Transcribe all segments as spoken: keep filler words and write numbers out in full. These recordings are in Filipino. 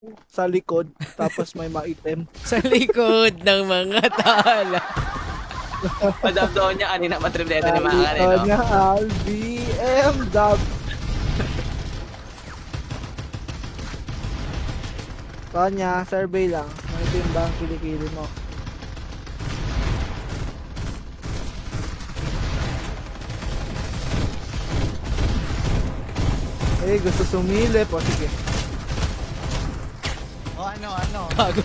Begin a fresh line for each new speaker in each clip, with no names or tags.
sa likod, tapos may maitim.
Sa likod ng mga tala.
Padabdoon niya kanina matriplete
Sa
ni mga kanina.
likod
No?
niya ang B M W. Kanya, survey lang. Maitim ba ang kilikili mo? Eh, gusto sumilip. O, sige.
O ano, ano?
Bago.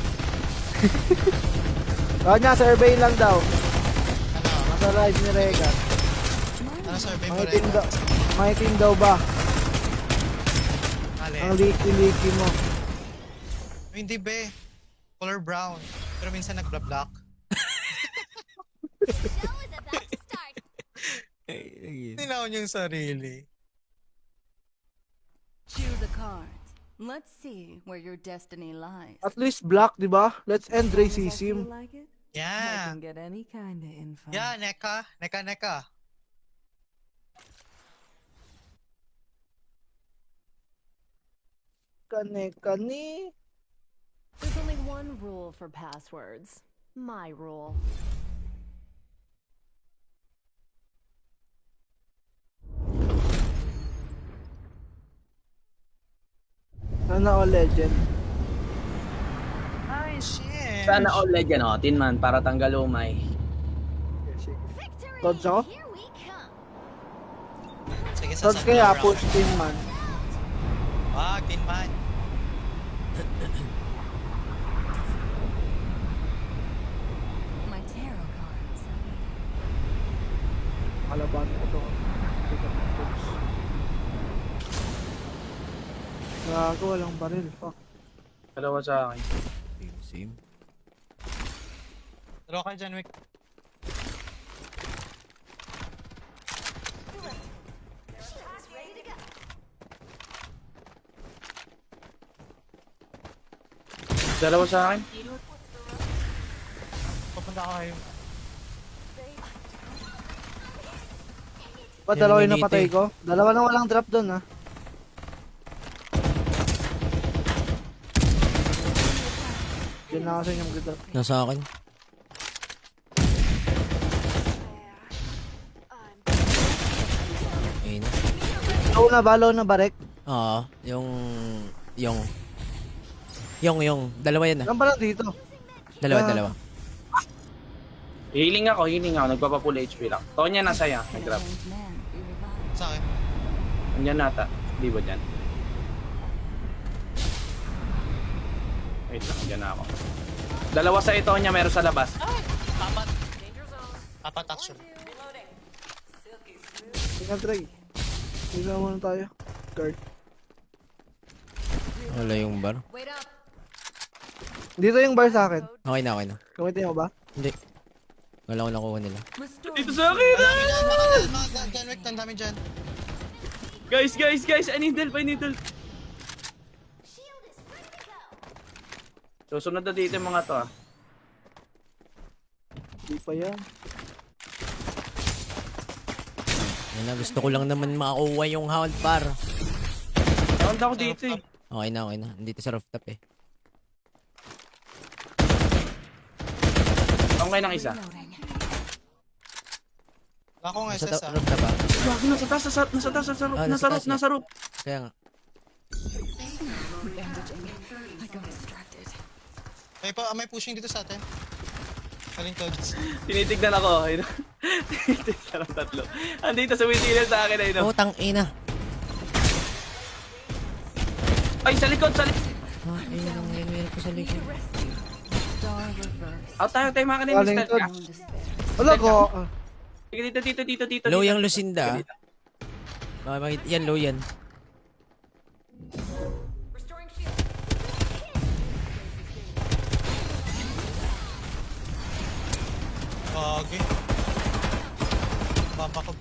Kanya, survey lang daw.
Ano?
Nasa ride ni Regan.
Ano survey mo
Maitim
rin?
daw, maitim daw ba?
Mali.
Ang liki-liki mo.
Hindi be. Color brown. Pero minsan nagbla-black. Tinaw niyo yung sarili.
Choose a card. Let's see where your destiny lies.
At least black, di ba? Let's end
As long as I feel
racism.
like it, I
Yeah.
can get any kind of info.
Yeah, neka. Neka, neka.
Kane-kani.
There's only one rule for passwords. My rule.
Sana all legend.
Ay, shit.
Sana all legend oh, Tin Man para tanggal umay.
Victory!
Tods ako?
Here we come.
Sige, sa
Tods kaya,
round.
push team man.
Wag, tin man.
My tarot cards.
Kalaban ko to. Gago, walang baril. Fuck.
Dalawa sa akin.
Same.
Draw ka dyan, Wick.
Dalawa sa akin.
Papunta ka kayo.
Pa,
Yan,
dalawa yung
ganito
napatay
eh.
ko. Dalawa na walang drop doon, ha. Diyan na ako sa inyong drop.
Nasa akin. Ayun na.
Low na ba? Low na ba, Rek?
Oo. Yung... Yung... Yung, yung. Dalawa yan ah.
Saan ba lang dito?
Dalawa,
Ah.
dalawa.
Healing ako, healing ako. Nagpapapula H P lang. Tonya nasa ya.
Can a
Nag-grab.
hanged man be revived?
Sa akin.
Andyan nata. Di ba dyan? Wait lang, andyan na ako. Dalawa sa ito niya, meron sa labas.
Apat. Apat actually.
Tingnan, try. Tingnan muna tayo. Guard.
Wala yung bar.
Wait up.
Dito yung bar sa akin.
Okay na, okay na.
Kumitin mo ba?
Hindi. Wala ko nakuha nila.
Dito sa akin!
Ang dami dyan, mga dyan, mga dyan, dyan, Wick. Ang dami dyan.
Guys, guys, guys! I need help, I need help!
Shield is ready to go.
Susunod na dito yung mga to ah.
Hindi pa yan.
Yan na, gusto ko lang naman makuha yung hound par.
Round ako dito eh.
Okay na, okay na. Dito sa rooftop eh.
Okay ng isa.
Wala akong
Nasa
S S
ta-
ah.
rooftop ah.
Wag, nasa taas, nasa, nasa taas, nasa roof,
Ah,
nasa
nasa
roof,
taas
nasa roof.
Kaya nga.
I got distracted.
May, pa, may pushing dito sa atin. Kaling toads.
Tinitignan ako. Ayun. Tinitignan ang tatlo. Andito sa windshield sa akin ayun.
Oh, tang ina.
Ay, sa likod, sa likod.
Ah, ayun ang ngayon meron ko sa likod.
Star reverse.
Out tayo, tayo mga kanin,
Galing
mister.
to.
Ah,
Bone despair.
Wala ko. ah.
Sige, dito, dito, dito, dito.
Low
dito.
yung Lucinda ah. Ah, makita- yan, low yan.
Gagi. Baba ko.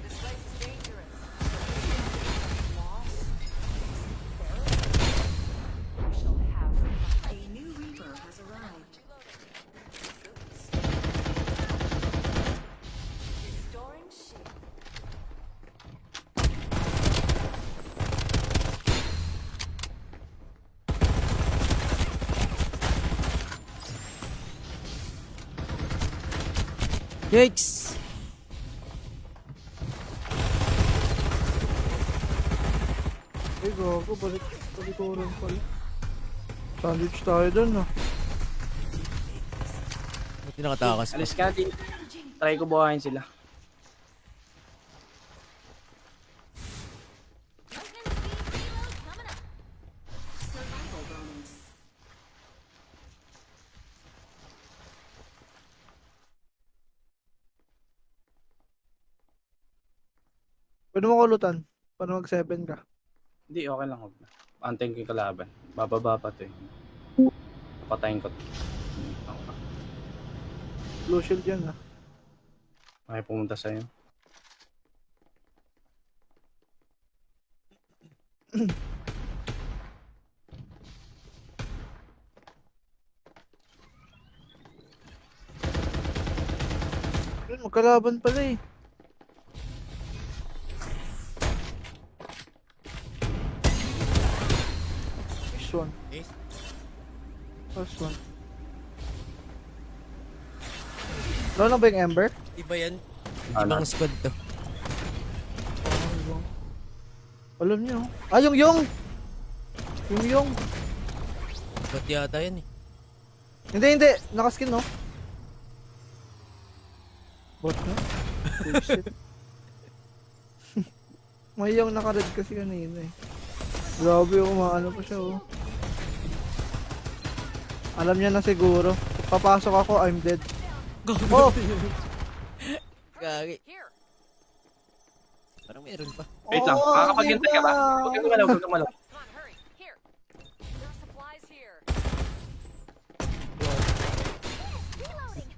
Yikes!
Ay, gago. Balik. Balik ko rin pala. Sandwich tayo dun, no?
Buti nakatakas pa.
Alis ka natin. Try ko buhayin sila.
Pwede mo kulutan. Paano mag seven ka?
Hindi, okay lang. Huwag na. Antayin ko yung kalaban. Bababa pa to eh. Patayin ko to.
Blue shield yan, ah.
Okay, pumunta sa'yo.
Ayun, magkalaban pala eh. Nice one.
Nice.
First one. Wala na ba yung Ember?
Iba yan.
Ano?
Ibang squad to.
Alam niyo. Ah, yung yung! Yung yung!
Ba't yata yan eh.
Hindi, hindi. Nakaskin, no? Bot na? Bullshit. May yung naka-red kasi kanina eh. Grabe, umaano pa siya, oh. Alam niya na siguro. Papasok ako, I'm dead. Oh!
Gagi. Parang meron pa.
Wait lang,
Oo,
makakapaghintay ka ba?
diba?
Huwag kang gumalaw, huwag kang gumalaw.
Come on, hurry. Here. There are supplies here.
Reloading.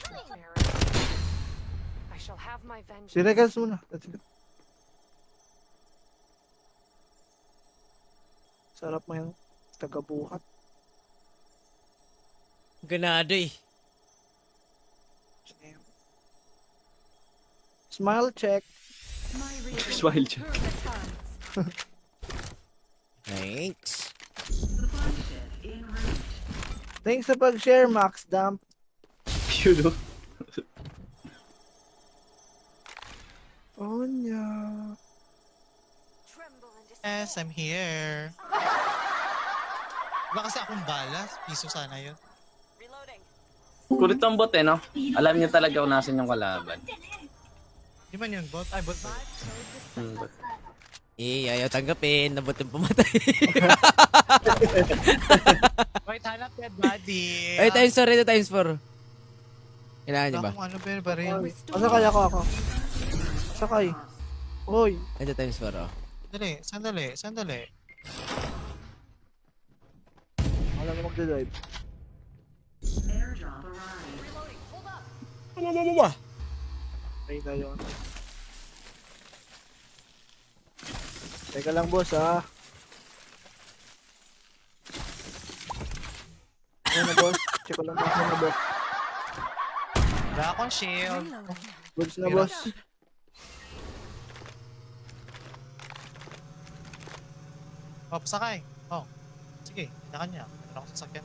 I shall have my vengeance.
Si Regals muna. Let's go. Sarap mo yung tagabuhat.
Ganado eh.
Smile check.
My reason.
Smile check.
Through the tongues.
Thanks.
Thanks sa pag-share, Max Dump.
Yun o.
Oh, nya.
Tremble and dis-
Yes, I'm here. Wala kasi akong balas. Piso sana yun.
Reloading.
Kulit ang bot eh, no? Alam niya talaga kung nasan yung kalaban.
Di man yun, bot? Ay, bot ba?
Hmm, bot.
Eh, ayaw tanggapin. Nabot yung pumatay.
Wait, hanap dead body.
Ay, times four ito, times four. Kailangan niyo ba?
Wala kung ano, pero ba rin.
Masakay ako ako. Sakay. Hoy.
Ito times four, oh.
Sandali, sandali, sandali.
Alam mo magdadrive. Ay na yun. Teka lang, boss, ah. Ano na, boss? Check ko lang boss na, boss.
Wala akong shield.
Goods na, boss.
Oh, pasakay. Oh. Sige, kita kanya. Meron ako sasakyan.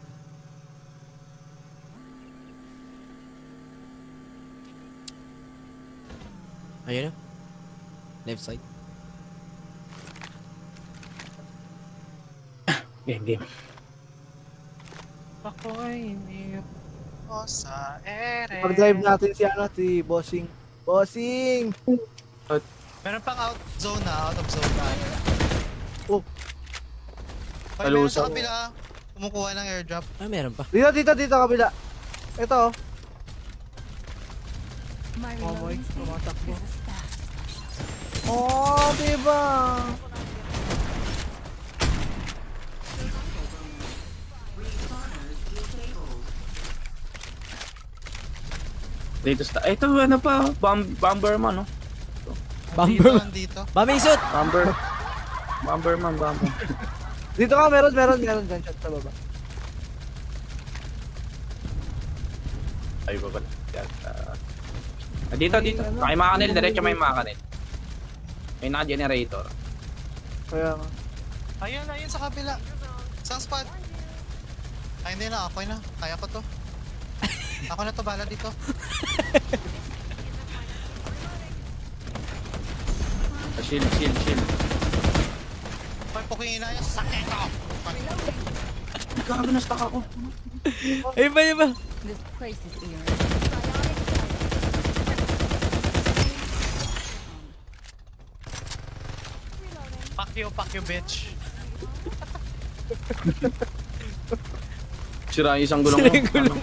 Ayun na. Left side.
Game, game.
Ako'y hindi ko sa ere.
Pag-drive natin si, ano, si Bossing. Bossing!
Meron pang out zone na, out of zone na.
Oh,
Pag meron sa
Palusaw.
kabila, kumukuha ng airdrop.
Ah, meron pa.
dito, dito, dito, kabila. Ito, oh.
My
Oh, boy.
reloading speed
Tumatakbo.
is as fast.
Oh, diba?
Dito sa... Eh, ito, ano pa? Bam Bomberman, no?
Dito,
Bomber.
dito.
Bombing suit!
Bomber. Bomberman, Bomber.
Dito ka, meron, meron, meron gunshot sa baba.
Ay, ba ba? Ah, dito, dito. May makanil, diretso may makanil. May naka-generator.
Kaya nga.
Ayun, ayun sa kabila. Isang spot. Ay, hindi na. Okay na. Kaya ko to. Ako na to, bala dito.
Shield, shield, shield.
May puking ina niya, sakit ako!
Gago, na-stuck ako.
Ay ba, ay ba?
This place is eerie.
Fuck you, fuck you, bitch.
Sira yung isang gulong mo.
Sira yung gulong.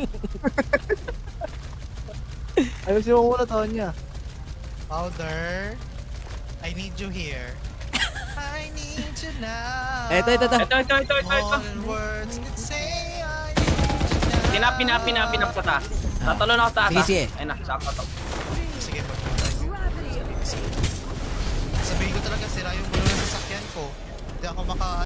Ayusin mo muna, Tonya.
Powder, I need you here. I need you now.
Eto, ito, ito.
Ito, ito, ito, ito, ito.
More than words can say I need you now.
Pinap, pinap, pinap, pinap sa taas. Tatalon ako sa taas.
Sige,
ah.
sige.
Ayun na, sakto to.
Sige, magpumatay. Sabihin ko talaga, sira yung gulo ng sasakyan ko. Hindi ako maka